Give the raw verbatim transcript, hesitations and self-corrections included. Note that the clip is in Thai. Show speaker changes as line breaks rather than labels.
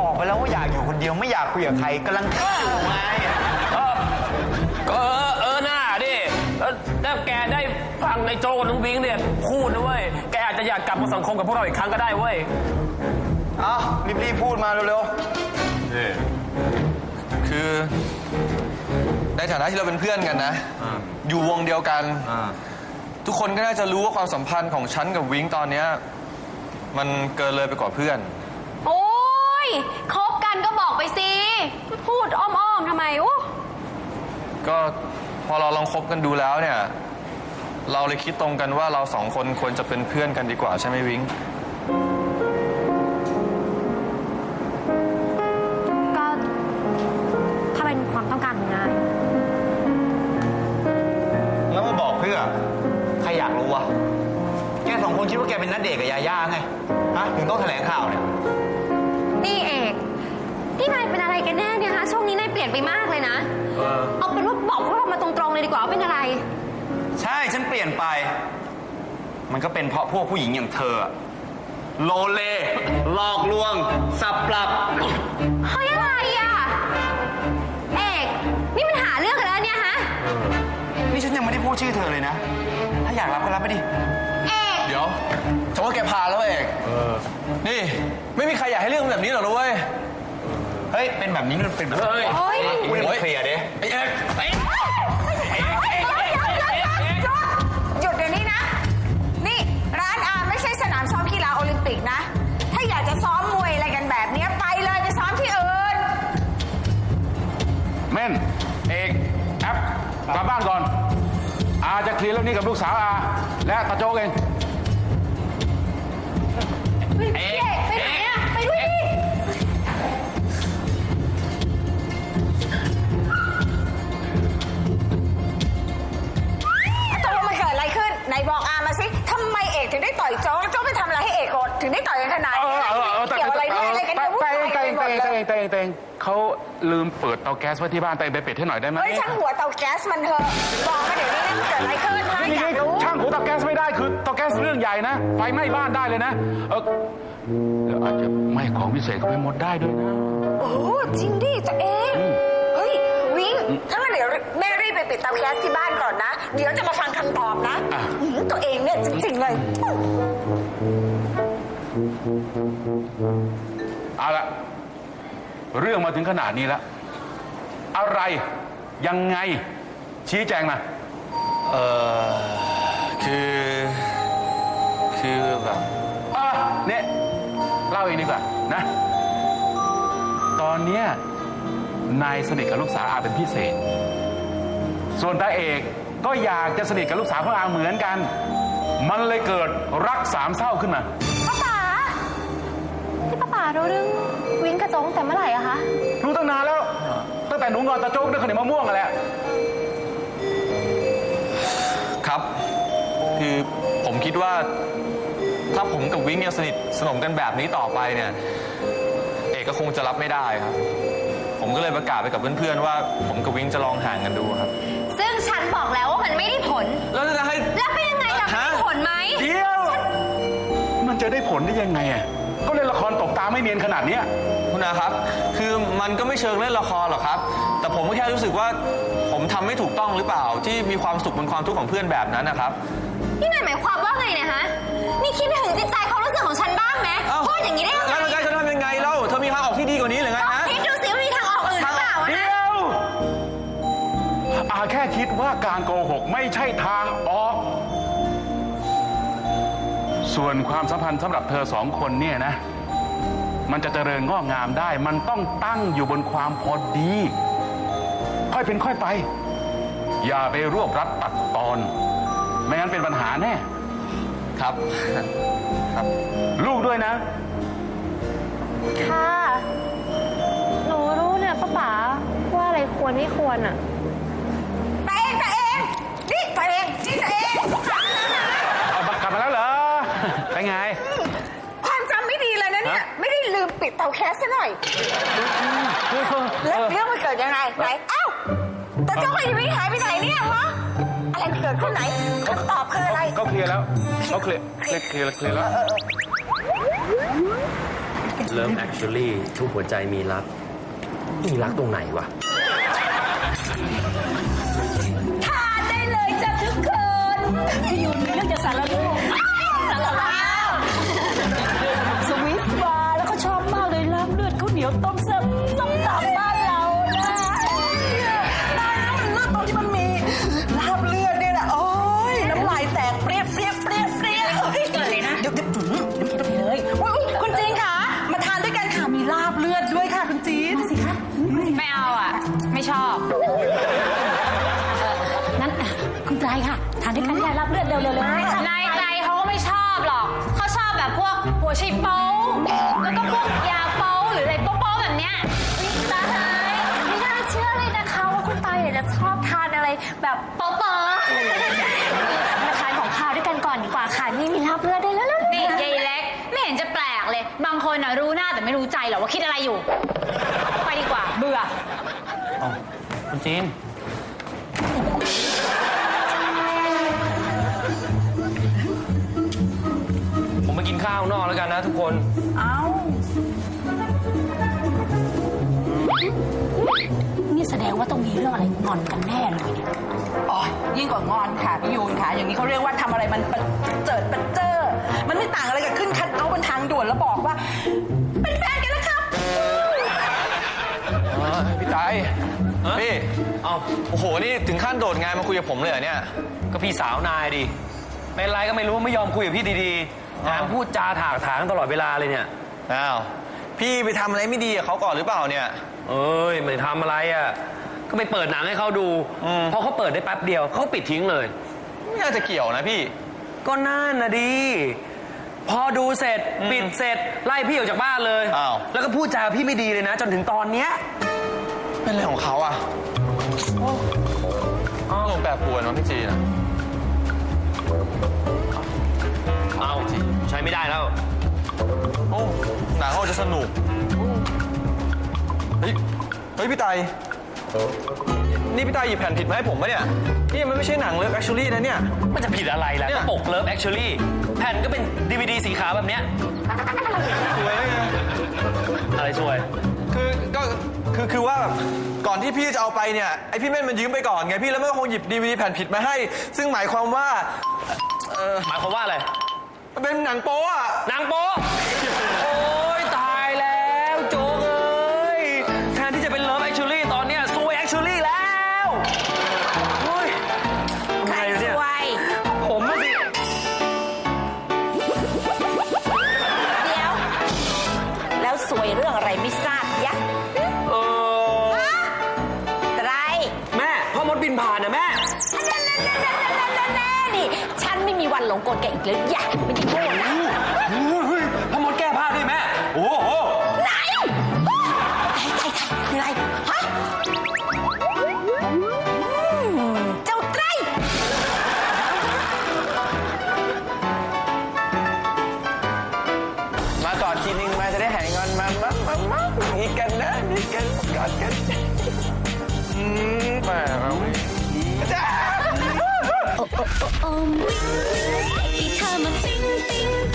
บอกไปแล้วว่าอยากอยู่คนเดียวไม่อยากคุยกับใครกำลังคิดอยู่ไง
เออก็เออเออหน้าดิถ้าแกได้ฟังในโจกับน้องวิ้งเนี่ยพูดนะเว้ยแกอาจจะอยากกลับมาสังคมกับพวกเราอีกครั้งก็ได้เว้ย
เอารีบๆพูดมาเร็วๆ
นี่คือในฐานะที่เราเป็นเพื่อนกันนะอยู่วงเดียวกันทุกคนก็น่าจะรู้ว่าความสัมพันธ์ของฉันกับวิ้งตอนเนี้ยมันเกินเลยไปกว่าเพื่อน
โอ้ยคบกันก็บอกไปสิพูดอ้อมๆทำไมอู้
ก็พอเราลองคบกันดูแล้วเนี่ยเราเลยคิดตรงกันว่าเราสองคนควรจะเป็นเพื่อนกันดีกว่าใช่ไหมวิ้ง
ก็ถ้าเป็นความต้องการของนาย
แล้วมาบอกเพื่อใครอยากรู้วะแกสองคนคิดว่าแกเป็นณเดชน์กับยาย่าไงฮะถึงต้องแถลงข่าวเนี่ย
นี่เอกที่นายเป็นอะไรกันแน่เนี่ยฮะช่วงนี้นายเปลี่ยนไปมากเลยนะเออเอาเป็นว่าบอกพวกเรามาตรงๆเลยดีกว่าว่าเป็นอะไร
ใช่ฉันเปลี่ยนไปมันก็เป็นเพราะพวกผู้หญิงอย่างเธอโลเลหลอกลวงสับปรับ
เฮ้ยอะไรอ่ะเอกนี่มันหาเรื่องกันแล้วเนี่ยฮะ
นี่ฉันยังไม่ได้พูดชื่อเธอเลยนะถ้าอยากรับก็รับไปดิ
เอก
เดี๋ยวฉันว่าแกพาแล้วเอกนี่ไม่มีใครอยากให้เรื่องแบบนี้หรอกนะเว้ย
เฮ้ยเป็นแบบนี้มันเป็นแบบ
เฮ้ย
คุยกันเคลียร์ดิ
ไอ้เอกไอ้
หยุดเดี๋ยวนี้นะนี่ร้านอาไม่ใช่สนามซ้อมกีฬาโอลิมปิกนะถ้าอยากจะซ้อมมวยอะไรกันแบบนี้ไปเลยไปซ้อมที่อื่น
เม่นเอกแอปกลับบ้านก่อนอาจะเคลียร์เรื่องนี้กับลูกสาวอาและตาโจ๊กเอง
เอกไปไหนอะไปด้วยดิ
ตกลงมันเกิดอะไรขึ้นไหนบอกอามาสิทำไมเอกถึงได้ต่อยโจ๊กโจ๊กไปทำอะไรให้เอกโกรธถึงได้ต่อยกันขนาดนี้เกี่ยวอะไรด้วยอะไรกันเนี่ยวุ่นวายไปหมดเลย
เตงเตงเขาลืมเปิดเตาแก๊สไว้ที่บ้านเตงไปปิดให้หน่อยได้ไหม
เฮ้ยช่างหัวเตาแก๊สมันเถอะบอกมาเดี๋ยวนี้นะมันเกิดอะไรขึ้นนะอยากรู้
ช่างหัวเตาแก๊สไม่ได้คือเตาแก๊สเรื่องใหญ่นะไฟไหม้บ้านได้เลยนะเออแล้วอาจจะไหม้ของพิเศษก็ไปหมดได้ด้วยนะ
โอ้จริงดิตัวเองเฮ้ยวิ้งถ้างั้นเดี๋ยวแม่รีบไปปิดเตาแก๊สที่บ้านก่อนนะเดี๋ยวจะมาฟังคำตอบนะตัวเองเนี่ยจริงๆเลย
เอาละเรื่องมาถึงขนาดนี้แล้วอะไรยังไงชี้แจงมา
เออคือคือแบบ
อ่ะเนี่ยเล่าเองดีกว่านะตอนเนี้ยนายสนิทกับลูกสาวอาเป็นพิเศษส่วนตาเอกก็อยากจะสนิทกับลูกสาวของอาเหมือนกันมันเลยเกิดรักสามเศร้าขึ้นมา
ป้าป๋าที่ป้าป๋ารู้เรื่องวิ้งกระโจงแต่เมื่อไหร่อะคะ
รู้ตั้งนานแล้วตั้งแต่หนูงอนตาโจ๊กด้วยขนมมะม่วงกันแหละ
ครับคือผมคิดว่าถ้าผมกับวิ้งยังสนิทสนมกันแบบนี้ต่อไปเนี่ยเอกก็คงจะรับไม่ได้ครับผมก็เลยประกาศไปกับเพื่อนๆว่าผมกับวิ้งจะลองห่างกันดูครับ
ซึ่งฉันบอกแล้วว่ามันไม่ได้ผล
แล้วจะให้
แล้วเป็นยังไงล่ะมันได้ผลไหม
เดี๋ยวมันจะได้ผลได้ยังไงอ่ะก็เล่นละครตบตาไม่เนียนขนาดนี้
คุณอาครับคือมันก็ไม่เชิงเล่นละครหรอกครับแต่ผมก็แค่รู้สึกว่าผมทำไม่ถูกต้องหรือเปล่าที่มีความสุขบนความทุกข์ของเพื่อนแบบนั้นนะครับ
นี่นายหมายความว่าไงเนี่ยฮะนี่คิดถึงจิตใจความรู้สึกของฉันบ้างไหมพูดอย่างนี้ได้ยังไง
แล้วจะทำยังไงเล่าเธอมีทางออกที่ดีกว่านี้หรือไงฮะ
คิดดูสิว่ามีทางออกอื่นหรือเปล่า
เดี๋ยวอาแค่คิดว่าการโกหกไม่ใช่ทางออกส่วนความสัมพันธ์สำหรับเธอสองคนเนี่ยนะมันจะเจริญงอกงามได้มันต้องตั้งอยู่บนความพอดีค่อยเป็นค่อยไปอย่าไปรวบรัดตัดตอนไม่งั้นเป็นปัญหาแน่
ครับครับ
ลูกด้วยนะ
ค่ะหนูรู้เนี่ยป้าป๋าว่าอะไรควรไม่ควรอ่ะ
ตัวเองตัวเองนี่ตัวเองนี่ตัวเอง
เอากลับมาแล้วเหรอไปไง
ความจำไม่ดีเลยนะเนี่ยไม่ได้ลืมปิดเตาแก๊สซะหน่อยแล้วเรื่องมันเกิดยังไงไหนเอ้าแต่เจ้าไอ้วิ้งหายไปไหนเนี่ยฮะอะไรเกิดขึ้นไหนคำตอบคืออะไร
ก็เคลียร์แล้วเขาเคลียร์เคลียร์เคลียร์แล้ว
Love Actually ทุกหัวใจมีรัก มีรักตรงไหนวะ
ทานได้เลยจ้ะทุกคนพี่ยุนเรื่องจะสารลูกสารลาวสวิสบาร์แล้วก็ชอบมากเลยลาบเลือดข้าวเหนียวต้มแซ่บส้มตำบ้านเรานะได้แล้วมันเลือดตรงที่มันมีลาบเลือดเนี่ยแหละโอ้ยน้ำลายแตกเปรี้ยเปรี้ยเปรี้ยเปรี้ยเกิดเลยนะเดี๋ยวเดี๋ยวน้ำพริกต้องเลยอุ๊ยคุณจีนค่ะมาทานด้วยกันค่ะมีลาบเลือดด้วยค่ะคุณจีนมาสิคะ
ไม่เอาอ่ะ ไม่ชอบ
นั้นอ่ะคุณไตรค่ะ ทานด้วยกันได้รับเลือดเร็วๆเลย
นายไตรเขาก็ไม่ชอบหรอก เขาชอบแบบพวกหัวไชโป๊แล้วก็พวกยาโป๊หรืออะไรโป๊ๆแบบเนี้ยตายไม่น่าเชื่อเลยนะคะว่าคุณไตรเนี่ยจะชอบทานอะไรแบบโป๊ๆมาทานของข้าวด้วยกันก่อนดีกว่าค่ะ นี่มีลาบเลือดได้แล้วนี่ยายเล็ก ไม่เห็นจะแปลกเลย บางคนน่ะรู้หน้าแต่ไม่รู้ใจหรอกว่าคิดอะไรอยู่ ไปดีกว่า เบื่อ
คุณจีน ผมไปกินข้าวนอกแล้วกันนะทุกคน
เอ้า
นี่แสดงว่าต้องมีเรื่องอะไรงอนกันแน่เลยเนี่ย
อ๋อยิ่งกว่างอนค่ะพี่ยูนค่ะ อย่างนี้เขาเรียกว่าทำอะไรมันประเจิดประเจอ มันไม่ต่างอะไรกับขึ้นคัทเอาท์บนทางด่วนแล้วบอกว่า เป็นแฟนกันแล้วครับ
พี่ไต
ฮะ
พี่
เอา
โอ้โห นี่ถึงขั้นโดดงานมาคุยกับผมเลยเหรอเนี่ย
ก็พี่สาวนายดิ เป็นไรก็ไม่รู้ไม่ยอมคุยกับพี่ดีๆถามพูดจาถากถางตลอดเวลาเลยเนี่ย
อ้าว พี่ไปทำอะไรไม่ดีกับเขาก่อนหรือเปล่าเนี่ย
เอ้ยไม่ได้ทำอะไรอ่ะ ก็ไปเปิดหนังให้เขาดู
อืม
พอเขาเปิดได้แป๊บเดียวเขาปิดทิ้งเลย
ไม่น่าจะเกี่ยวนะพี่
ก็น่านะดี พอดูเสร็จ
อืม
ปิดเสร็จไล่พี่ออกจากบ้านเลย
อ้าว
แล้วก็พูดจาพี่ไม่ดีเลยนะ จนถึงตอนเนี้ย
เป็นอะไรของเขาอ่ะอ้าวลงแปรปรวนวะพี่จีนอะ
เอาใช้ไม่ได้แล้ว
โอ้หนังเขาจะสนุก เฮ้ย เฮ้ยพี่ไต นี่พี่ไตหยิบแผ่นผิดมาให้ผมปะเนี่ย นี่มันไม่ใช่หนังเลิฟแอคชูรี่นะเนี่ย
มันจะผิดอะไรล่ะ
เนี่ย
ก็ปกเลิฟแอคช l ลี่แผ่นก็เป็นดีวีดีสีขาวแบบเนี้ย
สวยเลยไง
อะไรสวย
คือก็คือคือว่าแบบก่อนที่พี่จะเอาไปเนี่ยไอพี่เม่นมันยืมไปก่อนไงพี่แล้วมันก็คงหยิบดีวีดีแผ่นผิดมาให้ ซึ่งหมายความว่าเออ
หมายความว่าอะไร
มันเป็นหนังโป๊อะ
นางโป๊ะโอ้ยตายแล้วโจ๊กเอ้ยแทนที่จะเป็นเลิฟแอคช l ลี่ตอนเนี้ยซวยแอคช l ลี่แล้วโอ้ย
ใคร
ทำไง
ส
เนี่ย
วย
ผมอะสิ
เดี๋ยว แล้วสวยเรื่องอะไรไม่ทราบยะ
เออ
ไตร
แม่พ่อมดบินผ่านนะแม่
แน่ๆนี่ ฉันไม่มีวันหลงกลแกอีกแล้วอย่าไม่ได้โง่นะ
พ่อมดแก้ผ้าด้วยแม่ โอ้โห
ไหนไทยไทยมีอะไร ฮะอืมเจ้าไตร
มากอดทีนึงมาจะได้หายงอนมามามามามีกันนะมีกันกอดกันอืมแหมเอาไว้จ้า
โอ้โอ้โอ้โอ้วิ่งวิ่งใส่เธอมาปิ๊งปิ๊ง